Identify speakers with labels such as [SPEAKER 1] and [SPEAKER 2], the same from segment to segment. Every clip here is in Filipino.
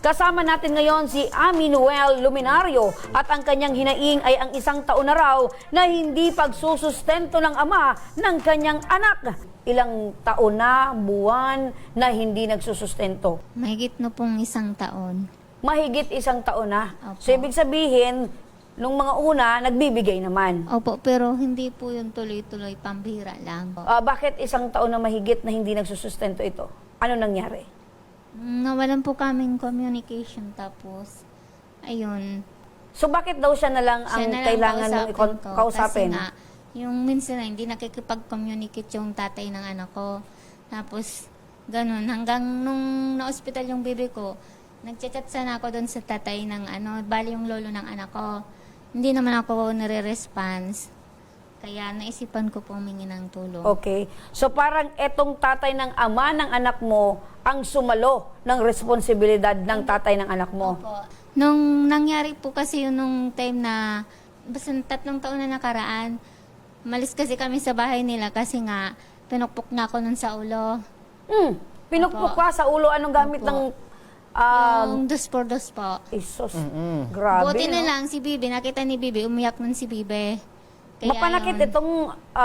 [SPEAKER 1] Kasama natin ngayon si Ami Noel Luminario at ang kanyang hinaing ay ang 1 taon na raw na hindi pagsusustento ng ama ng kanyang anak. Ilang taon na, buwan na hindi nagsusustento.
[SPEAKER 2] Mahigit na pong 1 taon.
[SPEAKER 1] Mahigit 1 taon na.
[SPEAKER 2] Opo.
[SPEAKER 1] So ibig sabihin, nung mga una, nagbibigay naman.
[SPEAKER 2] Opo, pero hindi po yung tuloy-tuloy, pambihira lang.
[SPEAKER 1] Bakit 1 taon na mahigit na hindi nagsusustento ito? Ano nangyari?
[SPEAKER 2] Nawalan po kaming communication tapos, ayun.
[SPEAKER 1] So bakit daw siya na lang ang
[SPEAKER 2] Siya na lang
[SPEAKER 1] kailangan mong kausapin?
[SPEAKER 2] Kasi nga, yung minsan na hindi nakikipag-communicate yung tatay ng anak ko. Tapos, ganun. Hanggang nung na-hospital yung baby ko, nagchat-chat sana ako doon sa tatay ng bali yung lolo ng anak ko. Hindi naman ako nare-response. Kaya naisipan ko pong humingi ng tulong.
[SPEAKER 1] Okay. So parang etong tatay ng ama ng anak mo ang sumalo ng responsibilidad ng tatay ng anak mo.
[SPEAKER 2] Opo. Nung nangyari po kasi yun nung time na, basta 3 taon na nakaraan, malis kasi kami sa bahay nila kasi nga, pinukpok na ako nun sa ulo.
[SPEAKER 1] Pinukpok
[SPEAKER 2] Opo.
[SPEAKER 1] ka sa ulo. Anong gamit
[SPEAKER 2] Opo.
[SPEAKER 1] ng...
[SPEAKER 2] Yung dos por dos po.
[SPEAKER 1] Isos. Grabe,
[SPEAKER 2] Buti na
[SPEAKER 1] no?
[SPEAKER 2] lang si Bibi, nakita ni Bibi, umiyak nun si Bibi. Kaya
[SPEAKER 1] Mapanakit
[SPEAKER 2] yun,
[SPEAKER 1] itong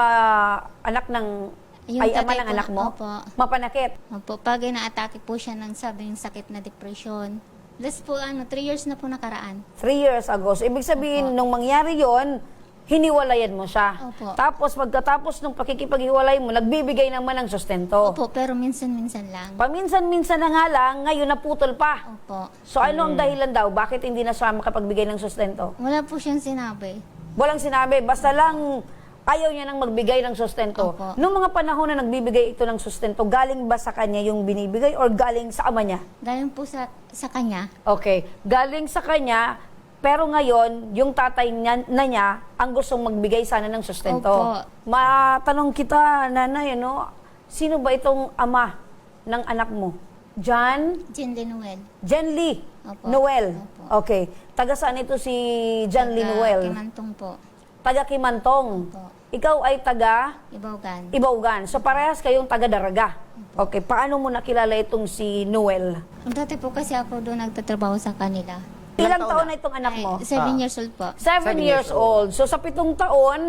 [SPEAKER 1] anak ng...
[SPEAKER 2] Yung
[SPEAKER 1] ay, ama
[SPEAKER 2] tatay
[SPEAKER 1] ng
[SPEAKER 2] ko,
[SPEAKER 1] anak mo?
[SPEAKER 2] opo.
[SPEAKER 1] Mapanakit.
[SPEAKER 2] Opo, pag ina-atake po siya ng sabi yung sakit na depression. Last po, 3 years na po nakaraan.
[SPEAKER 1] 3 years ago. So, ibig sabihin,
[SPEAKER 2] Opo.
[SPEAKER 1] nung mangyari yon, hiniwalayan mo siya.
[SPEAKER 2] Opo.
[SPEAKER 1] Tapos, pagkatapos nung pakikipaghiwalay mo, nagbibigay naman ng sustento.
[SPEAKER 2] Opo, pero minsan-minsan lang.
[SPEAKER 1] Paminsan-minsan na nga lang, ngayon naputol pa.
[SPEAKER 2] Opo.
[SPEAKER 1] So, ano ang dahilan daw? Bakit hindi na siya makapagbigay ng sustento?
[SPEAKER 2] Wala po siyang sinabi.
[SPEAKER 1] Walang sinabi. Basta lang, ayaw niya nang magbigay ng sustento.
[SPEAKER 2] Opo.
[SPEAKER 1] Noong mga panahon na nagbibigay ito ng sustento, galing ba sa kanya yung binibigay or galing sa ama niya?
[SPEAKER 2] Galing po sa kanya.
[SPEAKER 1] Okay. Galing sa kanya, pero ngayon, yung tatay niya ang gustong magbigay sana ng sustento.
[SPEAKER 2] Opo.
[SPEAKER 1] Matanong kita, nanay, sino ba itong ama ng anak mo? John?
[SPEAKER 2] Jen Lenuel.
[SPEAKER 1] Jen Lee
[SPEAKER 2] Opo.
[SPEAKER 1] Noel.
[SPEAKER 2] Opo.
[SPEAKER 1] Okay. Taga saan ito si Jen Lee Noel?
[SPEAKER 2] Kimantong po.
[SPEAKER 1] Taga Kimantong.
[SPEAKER 2] Opo.
[SPEAKER 1] Ikaw ay taga
[SPEAKER 2] Ibaugan.
[SPEAKER 1] Ibaugan. So parehas kayong taga Daraga. Okay. Paano mo nakilala itong si Noel?
[SPEAKER 2] Dati po kasi ako doon nagtatrabaho sa kanila.
[SPEAKER 1] Ilang taon na itong anak mo?
[SPEAKER 2] 7 years old po.
[SPEAKER 1] 7 years old. So sa 7 taon,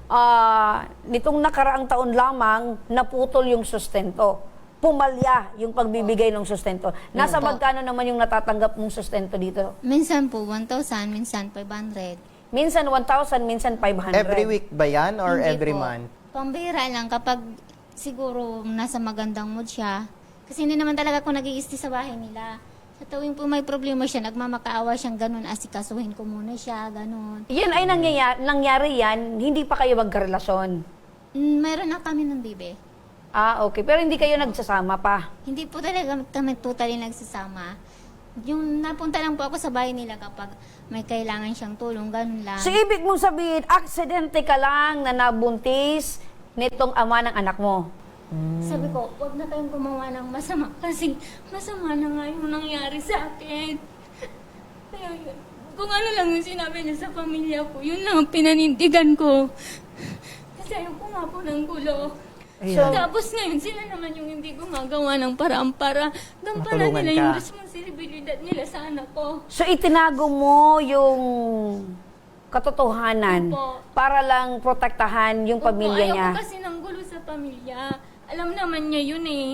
[SPEAKER 1] nitong nakaraang taon lamang, naputol yung sustento. Pumalya yung pagbibigay ng sustento. Nasa
[SPEAKER 2] Opo.
[SPEAKER 1] magkano naman yung natatanggap mong sustento dito?
[SPEAKER 2] Minsan po 1,000, minsan 500.
[SPEAKER 1] Minsan 1,000, minsan 500.
[SPEAKER 3] Every week ba yan or
[SPEAKER 2] Hindi
[SPEAKER 3] every
[SPEAKER 2] po.
[SPEAKER 3] month?
[SPEAKER 2] Pambihira lang kapag siguro nasa magandang mood siya. Kasi hindi naman talaga ako nag-iisti sa bahay nila. Sa tuwing po may problema siya, nagmamakaawa siyang ganun, asikasuhin ko muna siya, ganun.
[SPEAKER 1] Yan ay nangyari yan, hindi pa kayo magkarelasyon.
[SPEAKER 2] Mayroon na kami ng bibi.
[SPEAKER 1] Okay. Pero hindi kayo nagsasama pa.
[SPEAKER 2] Hindi po talaga kami totally nagsasama. Yung napunta lang po ako sa bahay nila kapag may kailangan siyang tulong, ganun lang.
[SPEAKER 1] So, ibig mong sabihin, aksidente ka lang na nabuntis nitong ama ng anak mo.
[SPEAKER 2] Sabi ko, huwag na kayong gumawa ng masama kasi masama na nga yung nangyari sa akin. Kaya yun, kung ano lang yung sinabi niya sa pamilya ko, yun lang ang pinanindigan ko. Kasi ayaw ko nga po ng gulo.
[SPEAKER 3] Ayan.
[SPEAKER 1] So,
[SPEAKER 2] Tapos ngayon, sila naman yung hindi gumagawa ng paraan para gampanan
[SPEAKER 3] Matulungan
[SPEAKER 2] nila
[SPEAKER 3] ka.
[SPEAKER 2] yung responsibilidad nila sa anak ko.
[SPEAKER 1] So, itinago mo yung katotohanan
[SPEAKER 2] Opo.
[SPEAKER 1] para lang protektahan yung pamilya
[SPEAKER 2] ayaw
[SPEAKER 1] niya.
[SPEAKER 2] ko kasi ng gulo sa pamilya. Alam naman niya yun eh.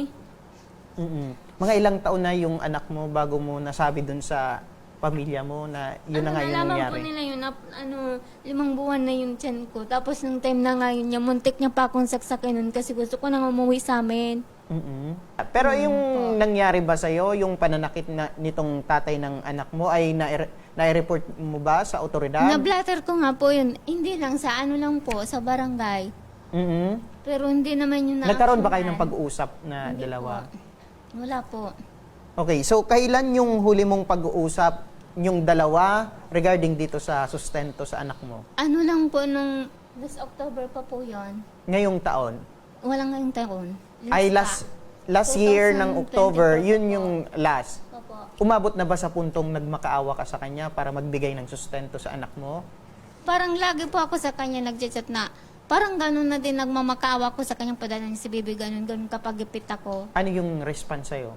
[SPEAKER 3] Mga ilang taon na yung anak mo bago mo nasabi dun sa pamilya mo na yun na nga yung
[SPEAKER 2] nalaman
[SPEAKER 3] nangyari?
[SPEAKER 2] po nila yun na 5 buwan na yung tiyan ko. Tapos nung time na nga yun niya, muntik niya pa akong saksakin nun kasi gusto ko nang umuwi sa amin.
[SPEAKER 3] Pero yung nangyari ba sa'yo, yung pananakit na nitong tatay ng anak mo ay nai-report mo ba sa otoridad?
[SPEAKER 2] Na-blatter ko nga po yun. Hindi lang sa lang po, sa barangay. Pero hindi naman yun na
[SPEAKER 3] Nagkaroon ba kayo ng pag-uusap na
[SPEAKER 2] Hindi
[SPEAKER 3] dalawa?
[SPEAKER 2] po. Wala po.
[SPEAKER 3] Okay, so kailan yung huli mong pag-uusap yung dalawa regarding dito sa sustento sa anak mo?
[SPEAKER 2] Ano lang po nung last October pa po yun.
[SPEAKER 3] Ngayong taon?
[SPEAKER 2] Walang ngayong taon.
[SPEAKER 3] Ay
[SPEAKER 2] pa.
[SPEAKER 3] last year ng
[SPEAKER 2] 2024
[SPEAKER 3] October, yun
[SPEAKER 2] po.
[SPEAKER 3] yung last.
[SPEAKER 2] Opo.
[SPEAKER 3] Umabot na ba sa puntong nagmakaawa ka sa kanya para magbigay ng sustento sa anak mo?
[SPEAKER 2] Parang lagi po ako sa kanya nagchat-chat na parang ganun na din nagmamakaawa ko sa kanyang padala niya si Bibi, ganun kapag ipit ako.
[SPEAKER 3] Ano yung response sa'yo?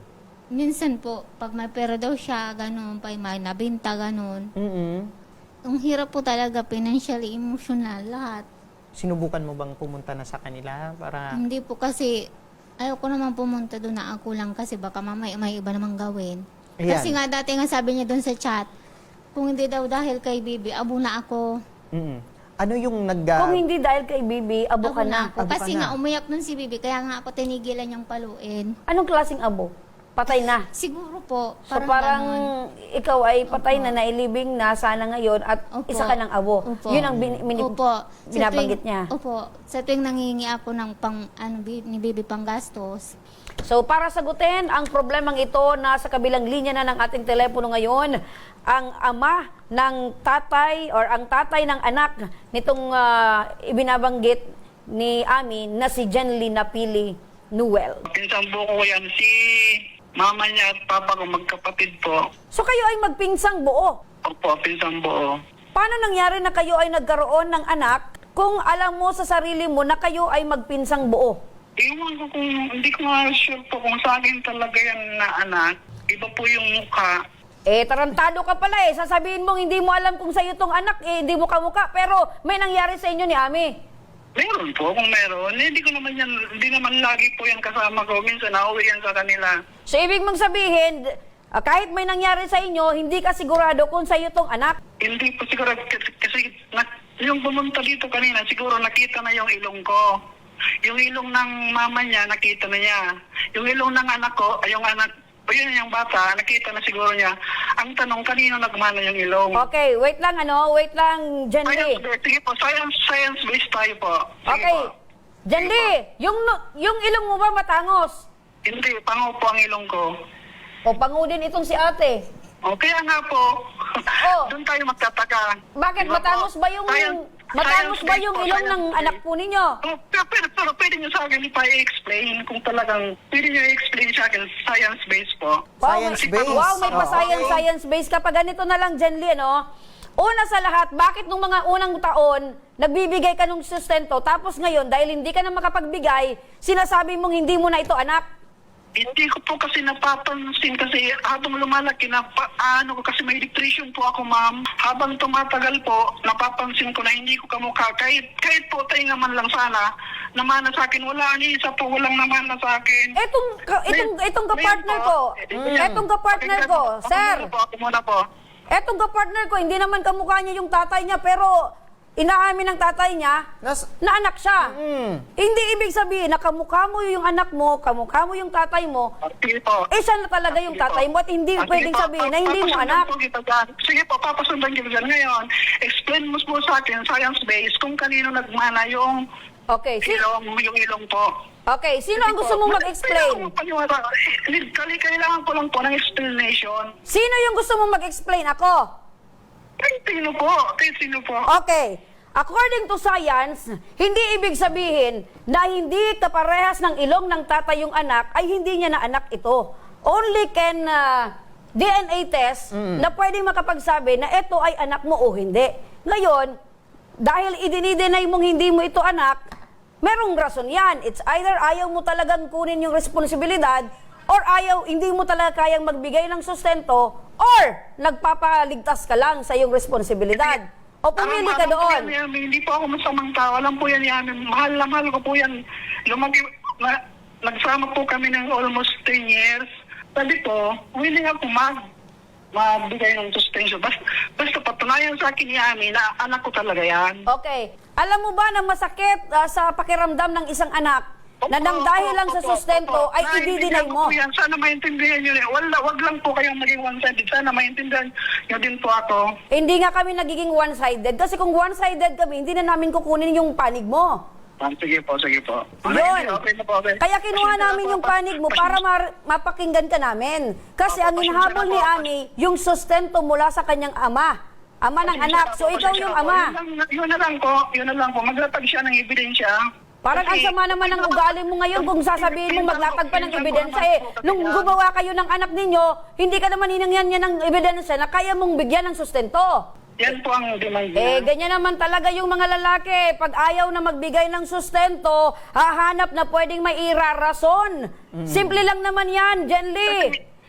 [SPEAKER 2] Minsan po, pag may pera daw siya, ganun, pa may nabinta, ganun. Ang hirap po talaga, financially, emotional, lahat.
[SPEAKER 3] Sinubukan mo bang pumunta na sa kanila para...
[SPEAKER 2] Hindi po kasi, ayoko naman pumunta doon na ako lang kasi baka mamaya may iba namang gawin.
[SPEAKER 3] Ayan.
[SPEAKER 2] Kasi nga dati nga sabi niya doon sa chat, kung hindi daw dahil kay Bibi, abo na ako.
[SPEAKER 3] Ano yung
[SPEAKER 1] Kung hindi dahil kay Bibi, abo ka
[SPEAKER 2] Abo
[SPEAKER 1] na.
[SPEAKER 2] ako.
[SPEAKER 3] Abo ka
[SPEAKER 2] Kasi
[SPEAKER 3] na.
[SPEAKER 2] nga umiyak nun si Bibi, kaya nga ako tinigilan niyang paluin.
[SPEAKER 1] Anong klaseng abo? Patay na.
[SPEAKER 2] Siguro po,
[SPEAKER 1] So parang
[SPEAKER 2] ganun.
[SPEAKER 1] ikaw ay patay na, nailibing na sana ngayon at
[SPEAKER 2] Opo.
[SPEAKER 1] isa ka ng abo.
[SPEAKER 2] Opo.
[SPEAKER 1] Yun ang
[SPEAKER 2] Opo. Sa
[SPEAKER 1] binabanggit
[SPEAKER 2] tuwing-
[SPEAKER 1] niya.
[SPEAKER 2] Opo. Sa tuwing nangingi ako ng ni Bibi pang gastos,
[SPEAKER 1] So para sagutin ang problemang ito, nasa kabilang linya na ng ating telepono ngayon, ang ama ng tatay or ang tatay ng anak nitong ibinabanggit ni Ami na si Jenly Napili Nuel.
[SPEAKER 4] Pinsang buko ko yan, si mama niya at papa ko magkapatid po.
[SPEAKER 1] So kayo ay magpinsang buo.
[SPEAKER 4] Opo, pinsang buo.
[SPEAKER 1] Paano nangyari na kayo ay nagkaroon ng anak kung alam mo sa sarili mo na kayo ay magpinsang buo?
[SPEAKER 4] Iwan ko kung, hindi ko nga sure po kung sa akin talaga yan na anak. Iba po yung mukha.
[SPEAKER 1] Eh, tarantado ka pala eh. Sasabihin mong hindi mo alam kung sa'yo tong anak, eh, hindi mo kamukha. Pero may nangyari sa inyo ni Ami.
[SPEAKER 4] Meron po, kung meron. Hindi ko naman yan, hindi naman lagi po yan kasama ko. Minsan nauwi yan sa kanila.
[SPEAKER 1] So, ibig mong sabihin, kahit may nangyari sa inyo, hindi ka sigurado kung sa'yo tong anak.
[SPEAKER 4] Hindi po siguro, kasi yung pumunta dito kanina, siguro nakita na yung ilong ko. Yung ilong ng mama niya, nakita na niya. Yung ilong ng anak ko, ay yung anak, o yun yung bata, nakita na siguro niya. Ang tanong, kanino nagmana yung ilong?
[SPEAKER 1] Okay, wait lang Jenly.
[SPEAKER 4] Sige po, science-based tayo po. Sige
[SPEAKER 1] Okay,
[SPEAKER 4] po.
[SPEAKER 1] Jenly, yung ilong mo ba matangos?
[SPEAKER 4] Hindi, pango po ang ilong ko.
[SPEAKER 1] O pangu din itong si ate.
[SPEAKER 4] O, kaya nga po,
[SPEAKER 1] Oh.
[SPEAKER 4] doon tayo magtataka.
[SPEAKER 1] Bakit
[SPEAKER 4] Diba po?
[SPEAKER 1] matangos ba yung
[SPEAKER 4] Science-based po,
[SPEAKER 1] ilong ng
[SPEAKER 4] science-based.
[SPEAKER 1] anak po ninyo?
[SPEAKER 4] Oh, pero pwede nyo sa akin i-explain kung talagang, pwede nyo i-explain sa akin, science-based po.
[SPEAKER 3] Science-based?
[SPEAKER 1] Wow, may pa
[SPEAKER 3] Oo.
[SPEAKER 1] science-based ka pa. Ganito na lang, Jenly, no? Una sa lahat, bakit nung mga unang taon, nagbibigay ka ng sustento, tapos ngayon, dahil hindi ka na makapagbigay, sinasabi mong hindi mo na ito anak?
[SPEAKER 4] Hindi ko po kasi napapansin kasi habang lumalaki ano ko kasi may depression po ako, ma'am. Habang tumatagal po, napapansin ko na hindi ko kamukha. Kahit po tainga man lang sana, namana sa akin. Wala ni isa po, walang namana sa akin.
[SPEAKER 1] Itong kapartner ko, sir,
[SPEAKER 4] Ako muna po.
[SPEAKER 1] etong kapartner ko, hindi naman kamukha niya yung tatay niya, pero inaamin ng tatay niya na anak siya. Hindi ibig sabihin na kamukha mo yung anak mo, kamukha mo yung tatay mo,
[SPEAKER 4] Sige po.
[SPEAKER 1] siya na talaga yung tatay mo at hindi pwedeng sabihin na hindi mo anak.
[SPEAKER 4] Sige po, papasundan kita dyan. Ngayon, explain mo po sa akin, science-based, kung kanino nagmana yung
[SPEAKER 1] Okay,
[SPEAKER 4] yung ilong po.
[SPEAKER 1] okay, sino ang gusto mong mag-explain?
[SPEAKER 4] Kailangan ko lang po ng explanation.
[SPEAKER 1] Sino yung gusto mong mag-explain? Ako?
[SPEAKER 4] Kahit sino po.
[SPEAKER 1] Okay. According to science, hindi ibig sabihin na hindi kaparehas ng ilong ng tatay yung anak ay hindi niya na anak ito. Only can DNA test na pwedeng makapagsabi na ito ay anak mo o hindi. Ngayon, dahil idinidenay mong hindi mo ito anak, merong rason yan. It's either ayaw mo talagang kunin yung responsibilidad or hindi mo talaga kayang magbigay ng sustento or nagpapaligtas ka lang sa iyong responsibilidad. O pumili ka doon.
[SPEAKER 4] Hindi po ako masamang tao. Alam po yan, mahal na mahal ko po yan. Nagsama po kami ng almost 10 years. Sabi ko, willing ako magbigay ng suspension. Basta patunayan sa akin ni Ami na anak ko talaga yan.
[SPEAKER 1] Okay. Alam mo ba na masakit sa pakiramdam ng isang anak na nang dahil lang sa sustento ay i-deny mo?
[SPEAKER 4] Sana maintindihan nyo rin. Wag lang po kayong maging one-sided. Sana maintindihan nyo din po ako.
[SPEAKER 1] Hindi nga kami nagiging one-sided kasi kung one-sided kami, hindi na namin kukunin yung panig mo.
[SPEAKER 4] Sige po.
[SPEAKER 1] Yun.
[SPEAKER 4] Okay na po, okay.
[SPEAKER 1] Kaya kinuha namin yung panig mo para mapakinggan ka namin. Kasi ang hinahabol ni Ami, yung sustento mula sa kanyang ama ng anak. So ikaw yung ama.
[SPEAKER 4] Yun na lang po. Maglatag siya ng ebidensya.
[SPEAKER 1] Parang ang sama naman ng ugali mo ngayon kung sasabihin mo maglatag pa ng ebidensya. Nung gumawa kayo ng anak ninyo, hindi ka naman hinangyan niya ng ebidensya na kaya mong bigyan ng sustento.
[SPEAKER 4] Yan po ang demand niya.
[SPEAKER 1] Ganyan naman talaga yung mga lalaki. Pag ayaw na magbigay ng sustento, hahanap na pwedeng may irarason. Simple lang naman yan, Jenly.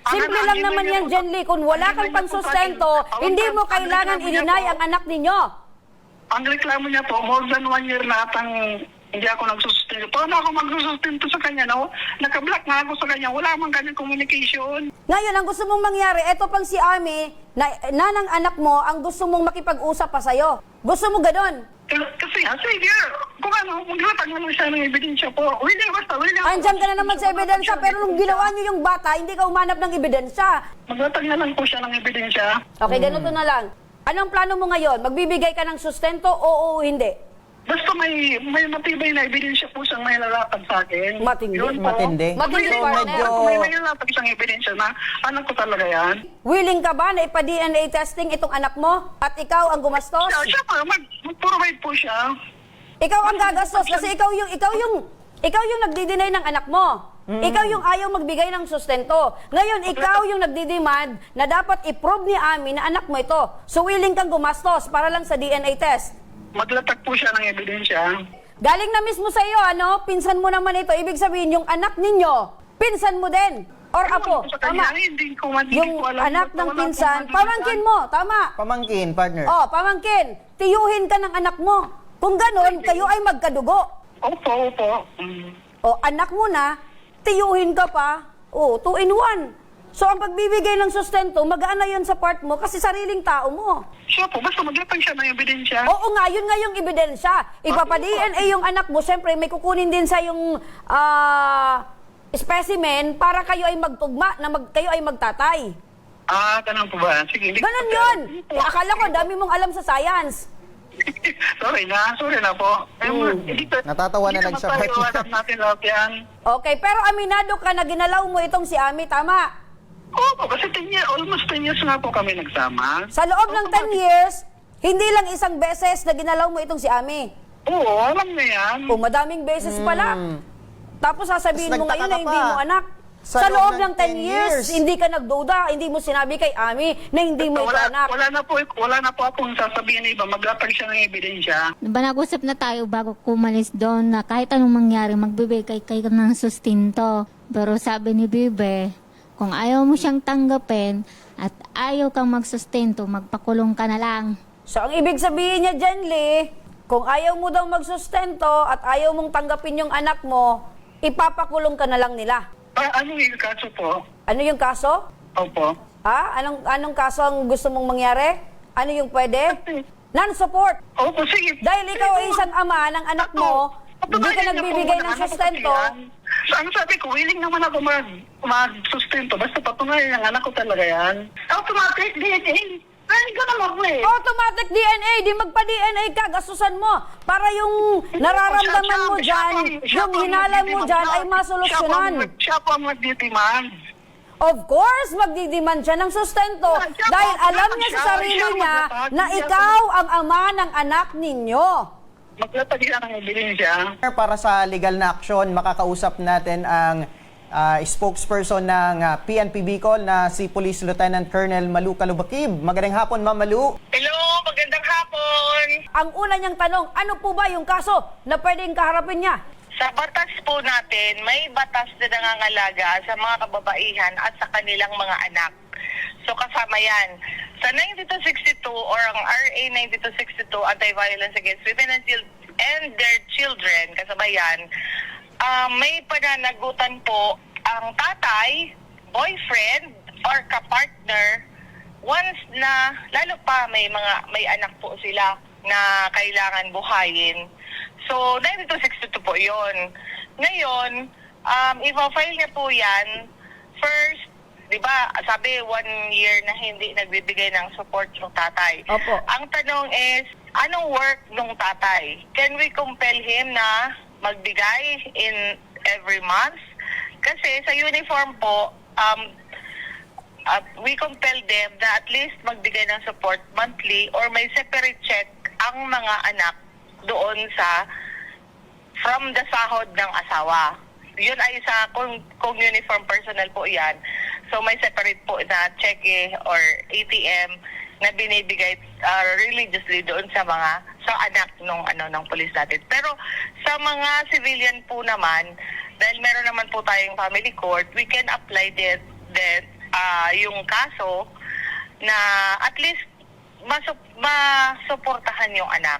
[SPEAKER 1] Simple lang naman yan, Jen Lee. Kung wala kang pansustento, hindi mo kailangan i-deny ang anak ninyo.
[SPEAKER 4] Ang reklamo niya po, more than 1 year na atang hindi ako nagsusustento. Paano ako magsusustento sa kanya, no? Naka-block nga ako sa kanya. Wala man kanyang communication.
[SPEAKER 1] Ngayon, ang gusto mong mangyari, eto pang si Ami, nanang anak mo, ang gusto mong makipag-usap pa sa'yo. Gusto mo ganon?
[SPEAKER 4] Kasi sige, kung ano, maglatag naman siya ng ebidensya po. Willing, basta willing.
[SPEAKER 1] Andyan ka na naman sa ebidensya, pero nung ginawa niyo yung bata, hindi ka umanap ng ebidensya.
[SPEAKER 4] Maglatag na lang po siya ng ebidensya.
[SPEAKER 1] Okay, ganito na lang. Anong plano mo ngayon? Magbibigay ka ng sustento o hindi?
[SPEAKER 4] Basta may matibay na ebidensya po siyang may lalapad sa akin.
[SPEAKER 1] Matindi.
[SPEAKER 4] Yun po.
[SPEAKER 3] Matindi.
[SPEAKER 1] Matindi,
[SPEAKER 4] So,
[SPEAKER 1] partner.
[SPEAKER 3] medyo-
[SPEAKER 4] May lalapad siyang ebidensya na anak ko talaga yan.
[SPEAKER 1] Willing ka ba na ipa-DNA testing itong anak mo? At ikaw ang gumastos?
[SPEAKER 4] Siya pa, mag-provide po siya.
[SPEAKER 1] Ikaw ang gagastos kasi ikaw yung nagdi-deny ng anak mo. Ikaw yung ayaw magbigay ng sustento. Ngayon, ikaw yung nagdi-demand na dapat i-prove ni Ami na anak mo ito. So, willing kang gumastos para lang sa DNA test.
[SPEAKER 4] Maglatag po siya ng ebidensya.
[SPEAKER 1] Galing na mismo sa iyo, ano? Pinsan mo naman ito. Ibig sabihin, yung anak ninyo, pinsan mo din. Or apo,
[SPEAKER 4] Sa kanya,
[SPEAKER 1] tama.
[SPEAKER 4] hindi ko
[SPEAKER 1] Yung
[SPEAKER 4] ko alam.
[SPEAKER 1] anak ng
[SPEAKER 4] Wala
[SPEAKER 1] pinsan,
[SPEAKER 4] akong
[SPEAKER 1] pamangkin mo, tama.
[SPEAKER 3] Pamangkin, partner.
[SPEAKER 1] Oh, pamangkin, tiyuhin ka ng anak mo. Kung ganon, kayo ay magkadugo.
[SPEAKER 4] Opo.
[SPEAKER 1] O, anak mo na, tiyuhin ka pa. O, 2 in 1. So, ang pagbibigay ng sustento, magaan na yun sa part mo kasi sariling tao mo.
[SPEAKER 4] Siya po, basta maglatag siya ng ebidensya.
[SPEAKER 1] Oo nga, yun nga yung ebidensya. Ipapa-DNA yung anak mo, syempre may kukunin din sa yung specimen para kayo ay magtugma, na kayo ay magtatay.
[SPEAKER 4] Ganun po ba? Sige.
[SPEAKER 1] Ganon yun. Akala ko, dami mong alam sa science.
[SPEAKER 4] Sorry na po.
[SPEAKER 3] Natatawa na lang siya,
[SPEAKER 4] Hindi
[SPEAKER 3] partner.
[SPEAKER 4] alam natin lahat yan.
[SPEAKER 1] Okay, pero aminado ka na ginalaw mo itong si Ami, tama?
[SPEAKER 4] Opo, kasi almost 10 years nga po kami nagsama.
[SPEAKER 1] Sa loob ng 10 years, hindi lang isang beses na ginalaw mo itong si Ami.
[SPEAKER 4] Oo, alam na yan.
[SPEAKER 1] O madaming beses pala. Tapos sasabihin
[SPEAKER 3] Tapos
[SPEAKER 1] mo ngayon na
[SPEAKER 3] nagtaka
[SPEAKER 1] hindi
[SPEAKER 3] ka
[SPEAKER 1] mo
[SPEAKER 3] pa.
[SPEAKER 1] anak. Sa loob ng 10 years, hindi ka nagduda, hindi mo sinabi kay Ami na hindi mo ito anak.
[SPEAKER 4] Wala na po akong sasabihin na iba. Maglatag siya ng ebidensya.
[SPEAKER 2] Diba nag-usap na tayo bago kumalis doon na kahit anong mangyari, magbibigay kayo ng sustinto. Pero sabi ni Bibe, kung ayaw mo siyang tanggapin at ayaw kang magsustento, magpakulong ka na lang.
[SPEAKER 1] So ang ibig sabihin niya, Jen Lee, kung ayaw mo daw magsustento at ayaw mong tanggapin yung anak mo, ipapakulong ka na lang nila.
[SPEAKER 4] Ano yung kaso po?
[SPEAKER 1] Ano yung kaso?
[SPEAKER 4] Opo.
[SPEAKER 1] Ha? Anong kaso ang gusto mong mangyari? Ano yung pwede? Non-support.
[SPEAKER 4] Opo, sige.
[SPEAKER 1] Dahil ikaw ay isang ama ng anak mo, hindi ka nagbibigay ng sustento.
[SPEAKER 4] So, ang sabi ko, willing naman ako mag-sustento. Basta patunayan ng anak ko talaga yan. Automatic DNA. Ay, ganun ako eh.
[SPEAKER 1] Automatic DNA, di magpa-DNA ka, gastusan mo. Para yung nararamdaman mo dyan, yung hinalan mo dyan ay masolusyonan.
[SPEAKER 4] Siya po ang magdidemand.
[SPEAKER 1] Of course, magdidemand siya ng sustento. Dahil alam niya sa sarili niya na ikaw ang ama ng anak ninyo.
[SPEAKER 4] Maglatag siya ng ebidensya.
[SPEAKER 3] Para sa legal na aksyon, makakausap natin ang spokesperson ng PNP Bicol na si Police Lieutenant Colonel Malu Calubakib. Magandang hapon, Ma'am Malu.
[SPEAKER 4] Hello, magandang hapon.
[SPEAKER 1] Ang una niyang tanong, ano po ba yung kaso na pwedeng kaharapin niya?
[SPEAKER 5] Sa batas po natin, may batas na nangangalaga sa mga kababaihan at sa kanilang mga anak. So kasama yan. Sa 9262 or ang RA 9262, Anti-Violence Against Women and Their Children, kasama yan, may pananagutan po ang tatay, boyfriend, or kapartner once na, lalo pa may anak po sila na kailangan buhayin. So, 9262 po yun. Ngayon, i-file niya po yan. First, di ba, sabi 1 year na hindi nagbibigay ng support yung tatay.
[SPEAKER 1] Opo.
[SPEAKER 5] Ang tanong is, anong work nung tatay? Can we compel him na magbigay in every month? Kasi sa uniform po, we compel them na at least magbigay ng support monthly or may separate check ang mga anak doon from the sahod ng asawa. Yun ay sa kung uniform personnel po yan. So may separate po na check or ATM na binibigay religiously doon sa anak ng pulis natin. Pero sa mga civilian po naman, dahil meron naman po tayong family court, we can apply that yung kaso na at least masuportahan yung anak.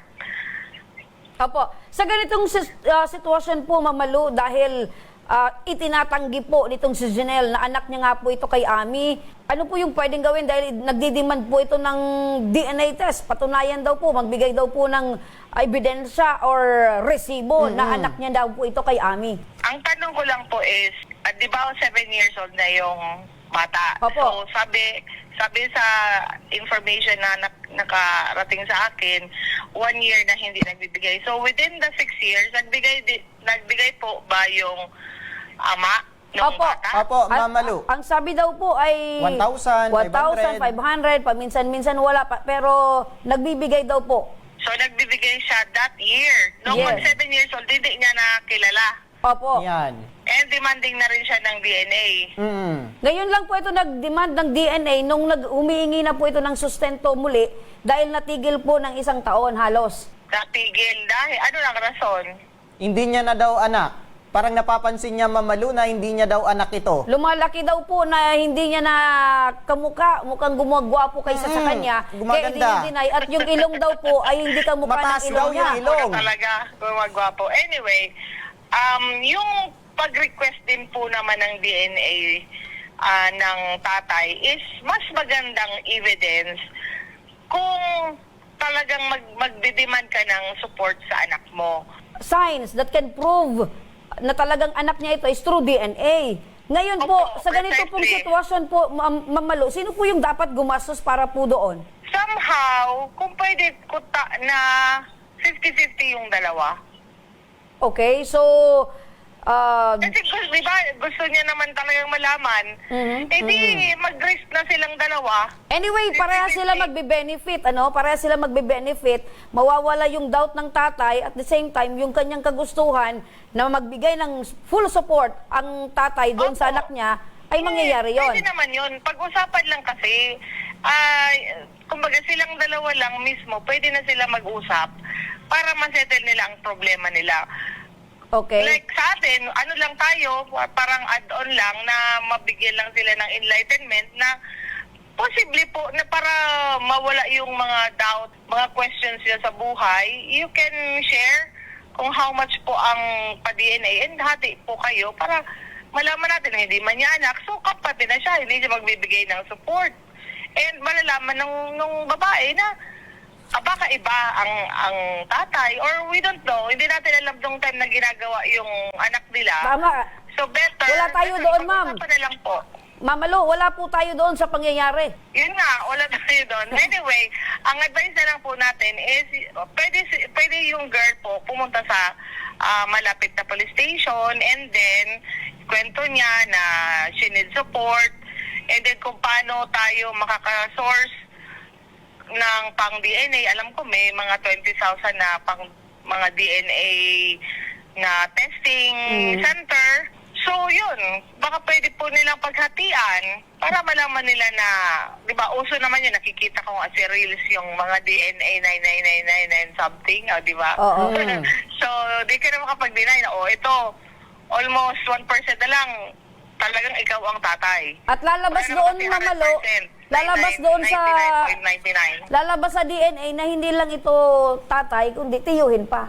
[SPEAKER 1] Opo. Sa ganitong sitwasyon po, Ma'am Malu, dahil itinatanggi po nitong si Janelle na anak niya nga po ito kay Ami, ano po yung pwedeng gawin dahil nagdidemand po ito ng DNA test? Patunayan daw po, magbigay daw po ng ebidensya or resibo na anak niya daw po ito kay Ami.
[SPEAKER 5] Ang tanong ko lang po is, di ba 7 years old na yung bata?
[SPEAKER 1] Opo.
[SPEAKER 5] So sabi sa information na nakarating sa akin, 1 year na hindi nagbibigay. So within the 6 years, nagbigay po ba yung ama ng
[SPEAKER 1] Opo.
[SPEAKER 5] bata?
[SPEAKER 3] Opo, Ma'am Malu.
[SPEAKER 1] Ang sabi daw po ay
[SPEAKER 3] 1,000,
[SPEAKER 1] 1,500, paminsan-minsan wala pa, pero nagbibigay daw po.
[SPEAKER 5] So nagbibigay siya that year. Nung
[SPEAKER 1] Yes.
[SPEAKER 5] 7 years old, hindi niya nakilala.
[SPEAKER 1] Opo.
[SPEAKER 3] Yan.
[SPEAKER 5] And demanding na rin siya ng DNA.
[SPEAKER 1] Ngayon lang po ito nag-demand ng DNA nung humihingi na po ito ng sustento muli dahil natigil po ng 1 taon halos.
[SPEAKER 5] Natigil dahil, ano lang rason?
[SPEAKER 3] Hindi niya na daw anak. Parang napapansin niya, Ma'am Malu, na hindi niya daw anak ito.
[SPEAKER 1] Lumalaki daw po na hindi niya na mukhang gumagwapo kaysa sa kanya. Kaya
[SPEAKER 3] gumaganda.
[SPEAKER 1] i-deny. At yung ilong daw po ay hindi kamukha
[SPEAKER 3] Mataas
[SPEAKER 1] ng
[SPEAKER 3] daw
[SPEAKER 1] ilong niya.
[SPEAKER 3] yung ilong.
[SPEAKER 5] Wala talaga, gumagwapo. Anyway, yung pag-request din po naman ng DNA ng tatay is mas magandang evidence kung talagang magdidemand ka ng support sa anak mo.
[SPEAKER 1] Signs that can prove na talagang anak niya ito is through DNA. Ngayon po,
[SPEAKER 5] Opo,
[SPEAKER 1] sa ganito pong
[SPEAKER 5] precisely.
[SPEAKER 1] sitwasyon po, Ma'am Malu, sino po yung dapat gumastos para po doon?
[SPEAKER 5] Somehow, kung pwede na 50-50 yung dalawa.
[SPEAKER 1] Okay, so
[SPEAKER 5] Kasi di ba, gusto niya naman talagang malaman, edi mag-risk na silang dalawa.
[SPEAKER 1] anyway, parehas sila magbe-benefit, ano? Parehas sila magbe-benefit. Mawawala yung doubt ng tatay at the same time yung kanyang kagustuhan na magbigay ng full support ang tatay doon sa
[SPEAKER 5] Opo.
[SPEAKER 1] anak niya ay mangyayari yon.
[SPEAKER 5] Pwede naman yun. Pag-usapan lang kasi, kumbaga silang dalawa lang mismo, pwede na sila mag-usap para masettle nila ang problema nila.
[SPEAKER 1] Okay.
[SPEAKER 5] Like sa atin, ano lang tayo, parang add-on lang na mabigyan lang sila ng enlightenment na posible po na para mawala yung mga doubt, mga questions nila sa buhay, you can share kung how much po ang pa-DNA and hati po kayo para malaman natin na hindi man niya anak, so kapatid na siya, hindi siya magbibigay ng support. And malalaman nung babae na baka iba ang tatay or we don't know. Hindi natin alam nung time na ginagawa yung anak nila.
[SPEAKER 1] Tama.
[SPEAKER 5] So better.
[SPEAKER 1] Wala tayo doon, ma'am.
[SPEAKER 5] Pag-usapan na lang po.
[SPEAKER 1] Ma'am Malu, wala po tayo doon sa pangyayari.
[SPEAKER 5] Yun nga, wala tayo doon. Anyway, ang advice na lang po natin is pwede yung girl po pumunta sa malapit na police station and then kwento niya na she needs support and then kung paano tayo makaka-source ng pang DNA. Alam ko may mga 20,000 na pang mga DNA na testing center. So yun, baka pwede po nilang paghatian para malaman nila na, di ba, uso naman yun, nakikita ko as reels yung mga DNA 99999 something, di ba?
[SPEAKER 1] Oo.
[SPEAKER 5] So, di ka na makapag-deny na, ito, almost 1% na lang, talagang ikaw ang tatay.
[SPEAKER 1] At lalabas
[SPEAKER 5] Wala
[SPEAKER 1] doon,
[SPEAKER 5] naman
[SPEAKER 1] Ma'am Malu,
[SPEAKER 5] 100%,
[SPEAKER 1] lalabas doon sa
[SPEAKER 5] 99.99.
[SPEAKER 1] lalabas sa DNA na hindi lang ito tatay, kundi tiyuhin pa.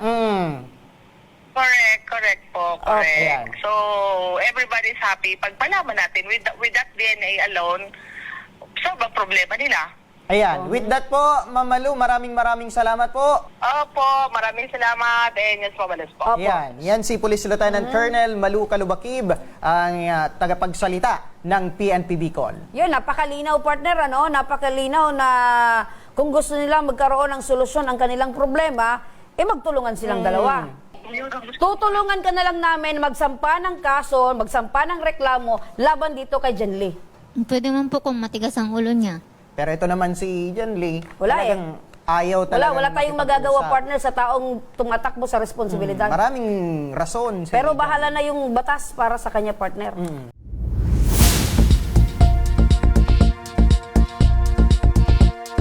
[SPEAKER 5] Correct po, correct.
[SPEAKER 3] Okay.
[SPEAKER 5] So, everybody's happy. Pag malaman natin, with that DNA alone, sobrang problema nila.
[SPEAKER 3] Ayan. With that po, Ma'am Malu, maraming salamat po.
[SPEAKER 5] Opo, maraming salamat. And yes po, balas po.
[SPEAKER 1] Opo.
[SPEAKER 3] Yan si Police Lieutenant Colonel Malu Kalubakib, ang tagapagsalita ng PNP Bicol.
[SPEAKER 1] Yun, napakalinaw partner, ano? Napakalinaw na kung gusto nila magkaroon ng solusyon ang kanilang problema, magtulungan silang dalawa. Tutulungan ka na lang namin magsampa ng kaso, magsampa ng reklamo laban dito kay Jen Lee.
[SPEAKER 2] Pwede man po kung matigas ang ulo niya.
[SPEAKER 3] Pero ito naman si Jen Lee,
[SPEAKER 1] Wala
[SPEAKER 3] talagang ayaw talaga.
[SPEAKER 1] Wala tayong magagawa partner sa taong tumatakbo sa responsibilidad.
[SPEAKER 3] Maraming rason. si
[SPEAKER 1] Pero
[SPEAKER 3] Jen.
[SPEAKER 1] bahala na yung batas para sa kanya partner.